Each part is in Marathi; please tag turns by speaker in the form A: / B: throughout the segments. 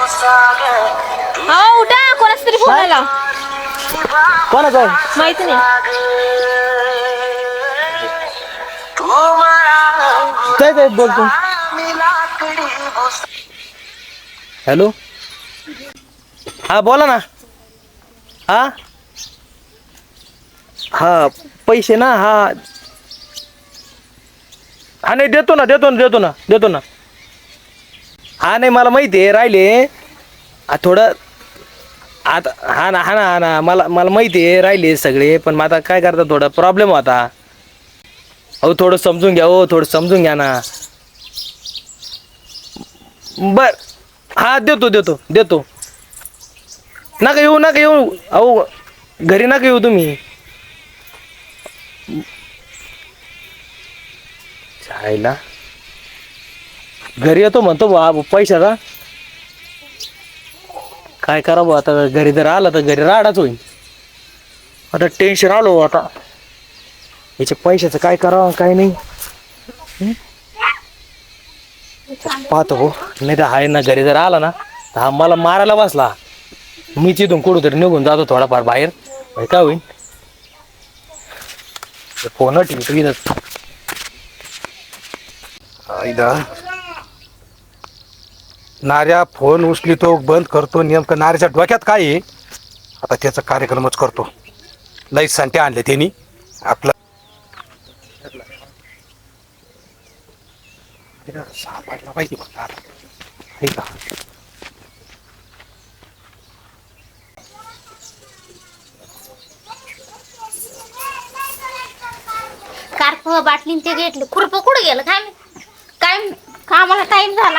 A: हो उठा, कोणाच तरी फोन आला.
B: कोणाचा आहे
A: माहिती नाही.
B: काय बोलतो. हॅलो हा बोला ना. हा हा पैसे ना. हा हा नाही देतो ना. हा नाही मला माहिती आहे राहिले थोडं आता. हा ना मला माहिती आहे राहिले सगळे. पण मग आता काय करता थोडा प्रॉब्लेम होता. अहो थोडं समजून घ्या. हो थोडं समजून घ्या ना. बर हा देतो. नका येऊ. अहो घरी नका येऊ तुम्ही. चायला घरी येतो म्हणतो बा पैशाचा. काय करावं आता. घरी जर आला तर घरी राडाच होईल. आता टेन्शन आलो आता. याच्या पैशाचं काय करावं काय नाही. पाहतो हो. नाही तर आहे ना घरी जर आला ना तर हा मला मारायला बसला. मी तिथून कुठंतरी निघून जातो थोडाफार बाहेर. काय होईल फोन ठेवतो.
C: नार्या फोन उचलितो बंद करतो. नेमकं नार्याच्या डोक्यात काय आहे आता त्याचा कार्यक्रमच करतो. लई संट्या आणले त्यांनी आपलं. सापडला पाहिजे बघ आता. हे का
A: कार्प बाटलीन ते घेतलं. खुरप कुठं गेलं काय कामाला टाइम झाला.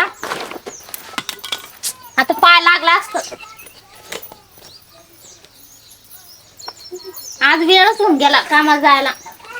A: आता पाय लागला असत. आज वेळच होऊन गेला कामाला जायला.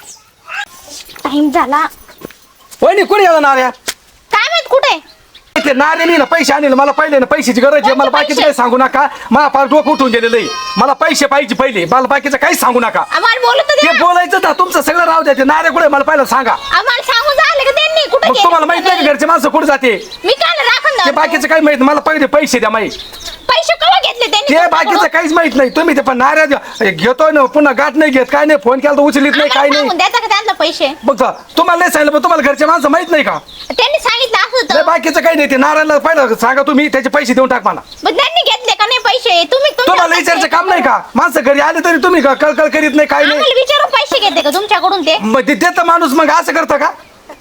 A: टाइम झाला.
C: वहिनी कुठे गेला नार्या.
A: काय माहित कुठे.
C: ते नार्याने ना पैसे आणले. मला पहिले ना पैशाची गरज आहे. मला बाकीचं काही सांगू नका. मला फार डोकं उठून गेलेलं आहे. मला पैसे पाहिजे पहिले. मला बाकीचं काहीच सांगू नका.
A: आम्हाला बोलत
C: ते बोलायचं ना तुमचं सगळं राहू द्या. ते नार्या कुठे मला पहिलं सांगा.
A: आम्हाला सांगून झालं का त्यांनी कुठे
C: मग तुम्हाला माहित नाही घरचे माणसं कुठे जाते.
A: मी काय राखून
C: ते बाकीचं काही माहित. मला पहिले पैसे द्या माहिती.
A: पैसे कवा घेतले त्यांनी.
C: ते बाकीचं काहीच माहित नाही. तुम्ही ते पण नार्या घेतोय ना पुन्हा गाठ नाही घेत. काय नाही फोन केला तर उचलीत नाही काय नाही.
A: द्यायचा का त्यांना पैसे.
C: बघ तुम्हाला नाही सांगितलं पण तुम्हाला घरचे माणसं माहित नाही का.
A: त्यांनी सांगितलं असं
C: नाही बाकीचं काही नाही. ते नारायणला पहिलं सांगा तुम्ही त्याचे पैसे देऊन टाक मला.
A: मग त्यांनी घेतले का नाही पैसे.
C: तुम्हाला विचारायचं काम नाही का. माणसं घरी आले तरी तुम्ही कळकळ करीत नाही काय नाही.
A: विचारून पैसे घेते का तुमच्याकडून ते.
C: मग ते देतं माणूस मग असं करतं का.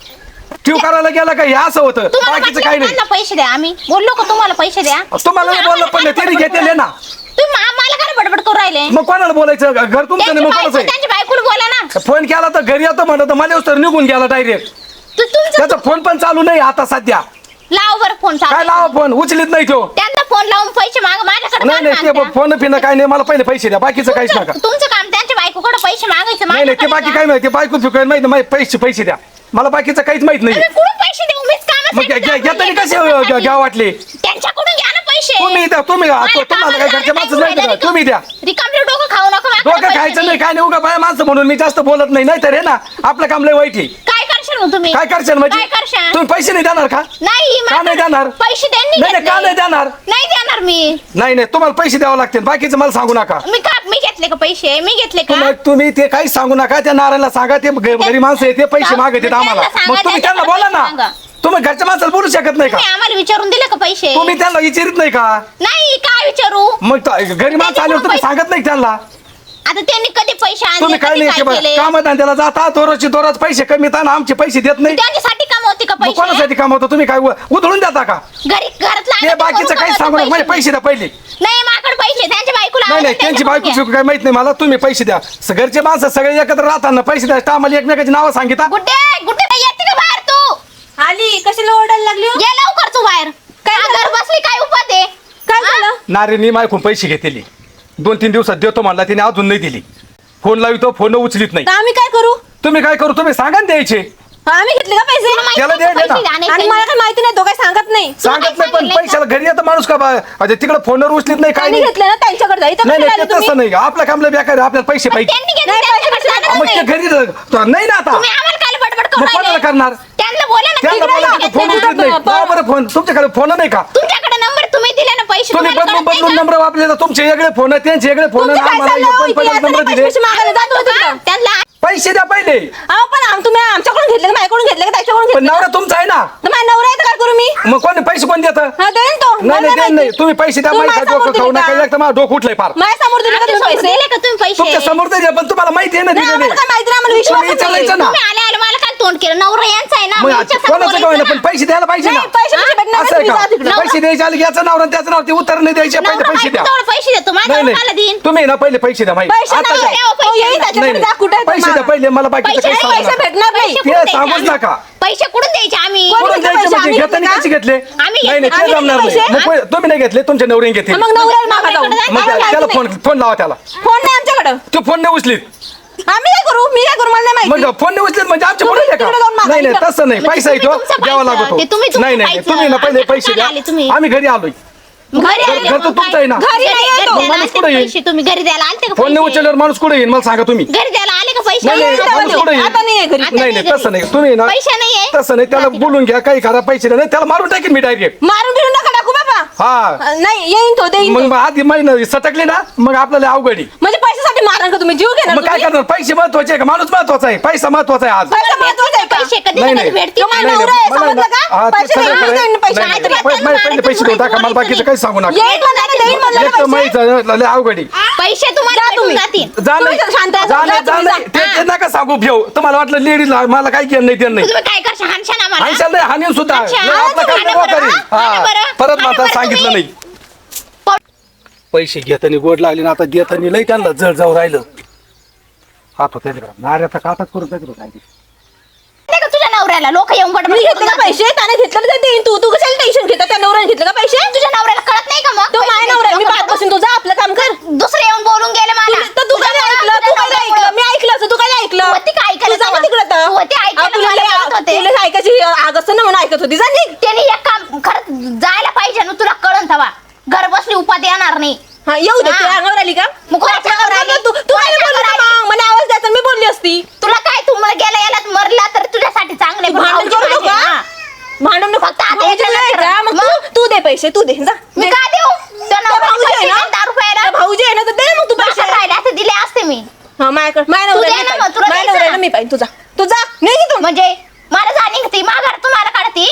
C: ठेव करायला गेला का हे असं होतं. बाकीचं काही नाही.
A: पैसे द्या. आम्ही बोललो का तुम्हाला पैसे द्या.
C: तुम्हाला नाही बोललं पण त्यांनी घेतलेले ना.
A: तुम्ही आम्हाला काय बडबड करू राहिले.
C: मग कोणाला बोलायचं. घर तुमचं नाही मग कोणाचं आहे.
A: त्यांच्या बायकोला बोला ना.
C: फोन केला तर घरी येतो म्हणत मला तर निघून गेला डायरेक्ट. त्याचा फोन पण चालू नाही आता सध्या.
A: लाव बरं फोन.
C: काय लावा फोन उचलीत नाही तो.
A: त्यांना फोन लावून पैसे माग माझ्याकडे.
C: नाही ते फोन पिणं काय नाही. मला पहिले पैसे द्या बाकीचं काहीच नका.
A: तुमचं काम त्यांच्या बायकोकडे पैसे मागायचं.
C: नाही ते बाकी काय माहिती. बायको फिकायला माहिती माहिती पैसे द्या. मला बाकीचं काहीच माहित नाही.
A: पैसे देऊ मीच
C: मग घेताना कसे घ्या वाटले.
A: त्यांच्याकडून घ्या ना पैसे.
C: तुम्ही तुम्हाला काय घरच्या माणसं नाही तुम्ही द्या.
A: रिकामले डोकं खाऊ नका.
C: डोकं खायचं नाही काय नाही. उगा बाया माणसं म्हणून मी जास्त बोलत नाही तर हे ना आपलं काम लय वाईट आहे.
A: काय करशाल मग तुम्ही.
C: काय करशाल म्हणजे
A: काय करशाल.
C: तुम्ही पैसे नाही देणार का.
A: नाही
C: का नाही देणार.
A: पैसे त्यांनी
C: नाही का नाही देणार.
A: नाही देणार मी.
C: नाही तुम्हाला पैसे द्यावं लागतील. बाकीचं मला सांगू नका.
A: मी घेतले का पैसे. मी घेतले का.
C: तुम्ही ते काहीच सांगू नका. त्या नारायणला सांगा ते घरी माणसं आहे ते पैसे मागतात आम्हाला. मग तुम्ही त्यांना बोला ना. तुम्ही घरच्या माणसाला बोलू शकत नाही का.
A: आम्हाला विचारून दिले का पैसे.
C: तुम्ही त्यांना विचारित नाही का.
A: नाही काय विचारू.
C: मग घरी माणसं आल्यावर तुम्ही सांगत नाही त्यांना.
A: आता त्यांनी कधी पैसे आणले.
C: तुम्ही काय नाही कामात त्याला जाता दररोज पैसे कमी येतात आमचे पैसे देत नाही.
A: त्यांच्यासाठी कमवते का पैसे.
C: कोणासाठी कमवतो तुम्ही काय उधळून देता का.
A: घरातला
C: ते बाकीचं काही सांगू नका. पैसे द्या पहिले.
A: नाही माझ्याकडे पैसे. त्यांच्या बायकोला
C: नाही त्यांची बायको काय माहित नाही मला. तुम्ही पैसे द्या. घरचे माणसं सगळे एकत्र राहताना पैसे द्या. आम्हाला एकमेकाची नावं सांगितलं.
A: गुड्डे येते का बाहेर तू.
D: आली कशाला ओरडायला लागली.
A: ये लवकर तू बाहेर. काय घर बसली काय उपात आहे.
D: काय झालं.
C: नारेनी मायकून पैसे घेतले 2-3 दिवसात देतो म्हणला. तिने अजून नाही दिली. फोन लावितो फोन उचलीत नाही.
D: आम्ही काय करू.
C: तुम्ही काय करू तुम्ही सांगा ना द्यायचे.
D: आम्ही घेतले का पैसे.
C: त्याला द्यायचे ना.
D: आणि मला काय माहिती नाही. तो काय सांगत नाही.
C: सांगत नाही पण पैशाला घरी येतं माणूस का तिकडे फोनवर उचलीत नाही काय
D: त्यांनी
C: नाही.
D: घेतले ना त्यांच्याकडे जायचं.
C: नाही तसं नाही. आपल्या कामला बेकार आपल्याला पैसे पाहिजे. मग ते घरी नाही ना आता. मग कोणाला करणार.
A: त्यांना बोला ना.
C: त्यांना बोला फोन उचलीत नाही. बरं फोन तुमच्याकडे फोन नाही का.
A: तुमच्याकडे नंबर तुम्ही दिले ना पैसे
C: तुम्ही
A: तुम्हाला
C: बदलून
A: कळत नाही
C: बदलून
A: का?
C: नंबर वापरले तर तुमचे वेगळे फोन त्यांचे वेगळे फोन
D: तुमचं काय चाललं हो? इथे येताना
C: नंबर दिले
D: पैसे मागायला जातो तिकडं.
A: त्यांना
C: पैसे द्या पहिले
D: अहो पण तुम्ही आमच्याकडून घेतले का माझ्याकडून घेतले का त्याच्याकडून
C: पण
D: घेतले
C: नवरा तुमचा आहे ना
D: तर माझा नवरा आहे तर काय करू मी
C: मग कोणी पैसे कोण देतं
D: हा देईन तो
C: नाही
D: मला
C: नाही देत नाही
D: माहिती.
C: तुम्ही पैसे द्या
D: तुम्ही
C: माहिती
D: माझ्या समोर
C: खाऊ
D: दिले
C: नका
D: का?
C: एक तर माझं डोकं उठलंय फार
D: माझ्या समोर दिले का
A: आमच्या
D: तुम्ही
A: समोर
D: पैसे
A: दिले का तुम्ही पैसे
C: तुमच्या समोर तर द्या, पण तुम्हाला माहिती आहे ना
D: नाही,
C: दिलेले.
D: आम्हाला काय माहिती नाही, आम्हाला विश्वास
C: तुम्ही
D: नाही.
C: विचारायचं ना
A: तुम्ही आले आले मला काय तोंड केलं नवरा यांचा आहे ना
C: मग
A: मी हिच्यासमोर
C: कोणाचं काय
A: बोलायचं
C: पण
A: ना.
C: पैसे द्यायला पाहिजे ना
D: नाही, पैसे भेटणार
C: असं आहे
D: तुम्ही जा
C: का
D: तिकडं.
C: पैसे द्यायचे आले की याचं नाव आणि त्याचं नाव ते उत्तर नाही द्यायचे पहिले
A: नवरा
C: पैसे द्या
A: बायकोजवळ पैसे देतो माझ्या
C: नाही
A: मला
C: नाही
A: देईन
C: तुम्ही ना पहिले पैसे द्या माहिती
D: पैसे
C: आता
D: नाही
C: द्या.
A: द्या, पैसे
D: हो, येईल
A: नाही.
D: त्याच्याकडे
C: नाही
D: जा, कुठे आहे तो
C: पैसे द्या
D: मामा?
C: पहिले मला बाकीचं
A: पैसे
C: काही
A: नाही,
C: सांगू
D: पैसे
C: नका.
D: भेटणार नाही
A: पैसे
C: ते
A: कुठून द्यायचे
C: सांगूच
A: आम्ही?
C: नका.
A: पैसे कुठून द्यायचे आम्ही
D: कोण
C: कुठून
D: घेतले
C: द्यायचे
D: पैसे?
C: म्हणजे
D: आम्ही
C: घेताना
D: घेतले
C: कसे
D: का?
C: घेतले
A: आम्ही
C: नाही नाही ते
D: आम्ही
C: जमणार
D: घेतले
C: नाही
D: पैसे?
C: मग तुम्ही नाही घेतले तुमच्या नवऱ्याने घेतले
D: मग नवऱ्याला मागा जाऊ.
A: नवऱ्याकडे
C: मग
D: आम्हाला
C: त्याला
D: माहिती नाही.
C: फोन लावा त्याला
D: फोन नाही आमच्याकडं
C: तो फोन नाही उचलीत
D: आम्ही काय करू मी काय करू मला नाही
C: मग
D: माहिती
C: फोन नाही उचलीत म्हणजे आमच्या
D: तुम्ही
C: पुढे का
D: तिकडे जाऊन मागा
C: नाही नाही
D: इकडं.
C: तसं नाही
A: मग
C: पैसा
A: तुम्ही
C: येतो
A: तुमचं
C: द्यावा
A: पाहायचं.
C: लागतो
A: ते तुम्ही तुमचं
C: नाही नाही
A: पाहायचं.
C: तुम्ही ना पहिले पैसे
A: आमच्याकडे
C: द्या
A: आले तुम्ही.
C: आम्ही घरी आलोय
A: घरी आले
C: घर तर
A: मग
C: तुमचं
A: काय?
C: आहे ना.
D: घरी नाही येतो.
A: द्यायला
C: माणूस
A: आलते
C: कुठे
A: का
C: येईल?
A: पैसे तुम्ही घरी द्यायला आलते का
C: फोन नाही
A: पैसे?
C: उचलल्यावर माणूस कुठे येईल मला सांगा तुम्ही
A: घरी द्यायला आले का पैसे
C: नाही, नाही,
A: आता
C: माणूस
A: नाही.
C: कुठे येईल?
D: आता नाही आहे घरी
A: आता
C: नाही नाही
A: घरी.
C: तसं नाही तुम्ही ना
A: पैसे नाहीये
C: तसं नाही त्याला बोलून घ्या काही करा पैसे नाही त्याला मारून टाकेन मी डायरेक्ट
D: मारून बिरून नका टाकू बाबा
C: हा
D: नाही येईन तो देईन
C: मग
D: तो.
C: मग आधी महिना सटकले ना मग आपल्याला अवघडी
D: म्हणजे पैशासाठी मारण का तुम्ही जीव घेणार
C: मग काय
D: तुम्ही?
C: करणार पैसे महत्वाचे आहे का माणूस महत्वाचा आहे पैसा महत्वाचा आहे आज
D: पैसा महत्वाचा आहे का?
A: पैसे कधी
C: नाही,
A: ना
C: नाही.
A: कधी भेटतील
D: तो माझा
C: नाही,
D: नवरा आहे,
C: मला
D: समजलं
C: ना-
D: का?
C: हा, ते
D: पैसे
C: सगळं
D: नाही,
C: खरं आहे.
D: देईन पैसे
C: नाही,
D: नाही
C: नाही,
D: तर
C: पहिले पैसे देऊन टाका मला बाकीचं काही सांगू नका
D: येईन म्हणलं ना, देईन म्हणलं ना
C: एक तर
D: पैसे.
C: माहिती लय अवघडी
A: पैसे तुम्हाला
D: जा
A: भेटून
D: तुम्ही.
A: जातील
C: जा
D: तुम्ही
C: नाही
D: शांत राहा,
C: जा
D: जा
C: नाही जा
D: तुम्ही,
C: नाही
D: जा.
C: ते नका सांगू घेऊ तुम्हाला वाटलं लेडीज मला काही केलं नाही ते नाही
A: तुम्ही काय करशा हानशा ना मला
C: हानशाल नाही हानीन सुद्धा
A: अच्छा,
C: लय आपलं
A: हाना
C: काही
A: बरं,
C: नको करीन.
A: हाना
C: हा.
A: बरं,
C: परत
A: हाना
C: माता
A: बरं
C: सांगितलं
A: तुम्ही.
C: नाही पैसे घेताना गोड लागले ना आता देताना लय त्यांना जड जाऊ राहिलं हात होत्या नाऱ्याचा काटाच करून टाकलो काय ते.
A: नाही का तुझ्या नवऱ्याला लोक येऊन
D: मी
A: बडबड
D: घेतले का पैसे त्याने घेतलं तर देईन तू कशाला टेन्शन घेता त्या नवऱ्याने घेतलं का पैसे
A: तुझ्या नवऱ्याला कळत नाही का मग
D: तो माझ्या नवरा आहे, मी पाहतपासून तुझा आपलं काम कर
A: दुसरे येऊन बोलून गेले मला
D: तर तू काय ऐकलं तू काय ऐकलं मी ऐकलं असं तू काय ऐकलं
A: होती का ऐकायला
D: तू जा ना
A: तेव्हा?
D: तिकडं आता.
A: होती ऐकायला
D: तुला
A: मला
D: लय-
A: बोलत होते.
D: तुला ऐकायची आग असतं ना म्हणून ऐकत होती जा निघ.
A: त्यांनी एक काम खरंच जायला पाहिजे ना तुला कळन तवा घर बसली उपाधी येणार नाही
D: हा येऊ दे
A: हा.
D: तुला अंगावर आली का
A: मग कोणाच्या अंगावर आली?
D: तू तू काय
A: कोणाच्या
D: बोलली
A: अंगावर
D: ना मग? मला आवाज द्यायचा मी बोलली असती
A: तुला काय तू मग गेला याला मरला तर तुझ्यासाठी चांगले
D: तू भांडण करू नको हा. भांडण नको
A: फक्त आता
D: भाऊजी
A: याच्या
D: नाही का? मग तू दे पैसे तू दे जा
A: मी
D: दे.
A: काय देऊ त्या
D: त्या
A: नवऱ्याला
D: भाऊजी आहे
A: पैसे
D: ना?
A: दे, 10 रुपयाला
D: त्या भाऊजी आहे ना तर दे मग तू पैसे
A: पैसे राहिले असते दिले असते मी
D: हा माझ्याकडे माझ्या
A: तू
D: नवऱ्याला
A: दे ना
D: मी
A: मग, तुला
D: पाहिजे. माझ्या
A: द्यायचं
D: नवऱ्याला
A: ना.
D: मी पाहिजे तुझा नाही तू
A: म्हणजे मला जाणी ती माघार तुम्हाला काढती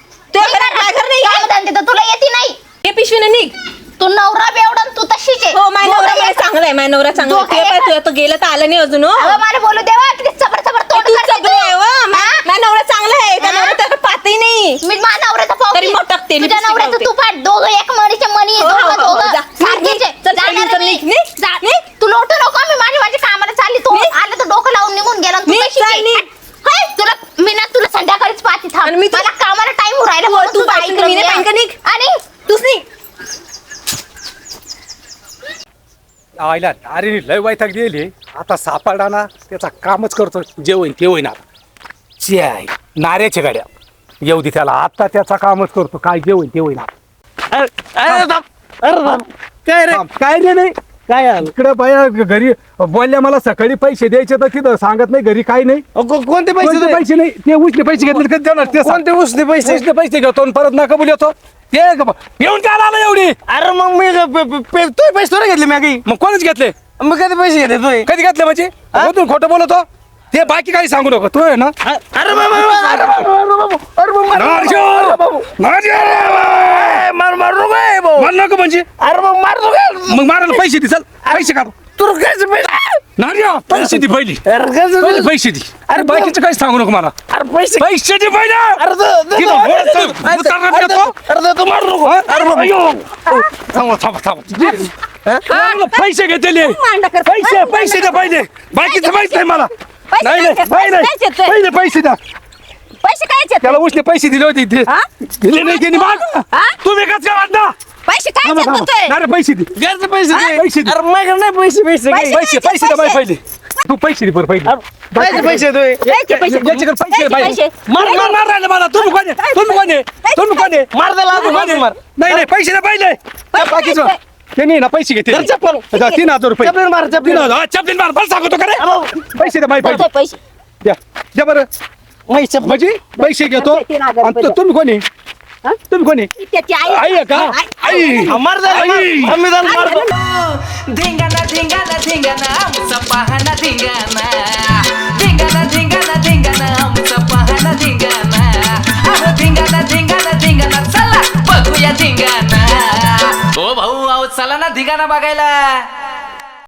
D: माघार नाही का?
A: कामधंदे तर तुला येते नाही
D: हे पिशवीने निघ
A: तू नवरा बेवडन तू तशीच आहे
D: हो माझ्या नवरा
A: दोघं
D: मला
A: एक-
D: चांगला आहे माझ्या नवरा चांगला आहे
A: दोघं
D: तुझ्या
A: एक-
D: पाय तू गेलं तर आलं नाही अजून हो
A: अगं मला बोलू देवा किती चबर चबर तोंड
D: तू
A: करते
D: सगळं आहे हो.
A: हा?
D: माझ्या नवरा चांगला आहे त्या
A: हा?
D: नवरा त्याकडे पाहतही नाही
A: मी माझ्या नवऱ्याचा पाव
D: तरी मग टाकते,
A: तुझ्या
D: लिपस्टिक
A: नवऱ्याचं
D: लावते.
A: तू पाठ दोघं एक मणीचे मणी
D: हो, हो,
A: दोघं
D: हो,
A: दोघं
D: जा.
A: सारखीच आहे.
D: चल,
A: जाणार
D: चल,
A: मी.
D: निघ, निघ.
A: जा.
D: निघ.
A: तू लोटू नको मी माझी कामाला चालली तू आलं तर डोकं लावून निघून गेला आणि तू
D: निघ,
A: तशीच
D: चल,
A: आहे.
D: निघ.
A: हाय, तुला मी ना तुला संध्याकाळीच पाहते थांब
D: आणि मी तू-
A: मला कामाला टाइम राहिला
D: हो,
A: म्हणून
D: तू
A: तुझं
D: पाहिजे तर
A: ऐकलं
D: मी नाही
A: मी,
D: पाहिजे का निघ?
A: आणि
D: तूच नाही
C: आयला अरे लय वैताग गेली आता सापडा ना त्याचा कामच करतो जे होईन ते होईन आता चे आहे नाऱ्याच्या गाड्या येऊ दे त्याला आता त्याचा कामच करतो काय जे होईन ते होईन आता.
B: काय रे
C: थांब.
B: काय रे नाही काय आलं
C: इकडे बाया घरी बोलल्या मला सकाळी पैसे द्यायचे तर तिथं सांगत नाही घरी काही नाही
B: कोणते पैसे
C: कोणते
B: दे?
C: पैसे नाही ते उचले पैसे घेतले कधी देणार ते सांग.
B: कोणते उसने पैसे
C: उचले पैसे घेतो आणि परत नका बोल येतो ते येऊन काय आला एवढी
B: अरे मग मी तू पैसे थोडे घेतले मी काही
C: मग कोणच घेतले
B: मग कधी पैसे घेतले तू
C: कधी घेतले म्हणजे मधून खोटं बोलतो ते बाकी काही सांगू नको तू आहे ना
B: अरे बाबा, अरे बाबा, अरे बाबा, अरे बाबा, मार मार नको आहे भाऊ.
C: मला नको म्हणजे
B: अरे मग मार नको आहे.
C: मग मारायला पैसे दे चल पैसे काढ
B: तू काय पैसे
C: नार्या पैसे दे पहिली
B: अरे कसं
C: पहिले पैसे दे अरे बाकीचं काही सांगू नको मला
B: अरे पैसे
C: पैसे दे पहिले
B: अरे
C: तिथं बोलतो, उतारणार का तो?
B: अरे तू मार नको
C: अरे बाबा, थांबा थांबा थांबा मला पैसे घेतले
D: मांडा कर.
C: पैसे पैसे द्या पहिले बाकीचं माहित नाही मला
D: पैसे
C: नाही नाही
D: काय-
C: नाही, नाही
D: पैसे येतोय.
C: पहिले पैसे द्या
D: पैसे काय येतात?
C: त्याला उचले पैसे दिले होते ते
D: हा?
C: दिले नाही त्यांनी माग
D: हा?
C: तुम्ही कसं काय वाटता
D: पैसे काय
C: थांबा
D: येतात
C: थांबा
D: म्हणतोय?
C: अरे पैसे दे
B: घरचे पैसे दे.
C: पैसे दे.
B: अरे माझ्याकडे नाही पैसे पैसे काही.
C: पैसे पैसे द्या बाई पहिले तू पैसे दे बरं पहिले
B: पैसे पैसे तू
D: पैसे, पैसे.
C: याच्याकडे पैसे
D: पैसे,
C: बाई
D: पैसे.
C: मार मार मार राहिले मला तुम्ही कोण आहे? तुम्ही कोण आहे? तुम्ही कोण आहे?
B: मार त्याला
C: तुम्ही कोण आहे?
B: मार
C: नाही नाही पैसे द्या पहिले त्या बाकीचं
D: पैसे.
C: त्यांनी ना पैसे घेतले
B: तर चप्पल.
C: 3,000 रुपये
B: चपलीन मार, चपलीन.
C: 3,000 चपलीन मार बस सांगतो का रे पैसे द्या बाई पहिले
D: पैसे
C: द्या द्या बरं
B: पैसे
C: म्हणजे पैसे घेतो
D: 3,000
C: आणि तुम्ही कोणी तुम्ही कोणी
D: त्याची आई
C: आई आहे का आई
B: मार संविधान मारतो
E: धिंगाणा धिंगाणा धिंगाणा आमचा पाहणा धिंगाणा धिंगाणा धिंगाणा धिंगाणा आमचा पाहणा धिंगाणा अहो धिंगाणा धिंगाणा धिंगाणा चला बघूया धिंगाणा ओ भाऊ अहो चला ना धिंगाणा बघायला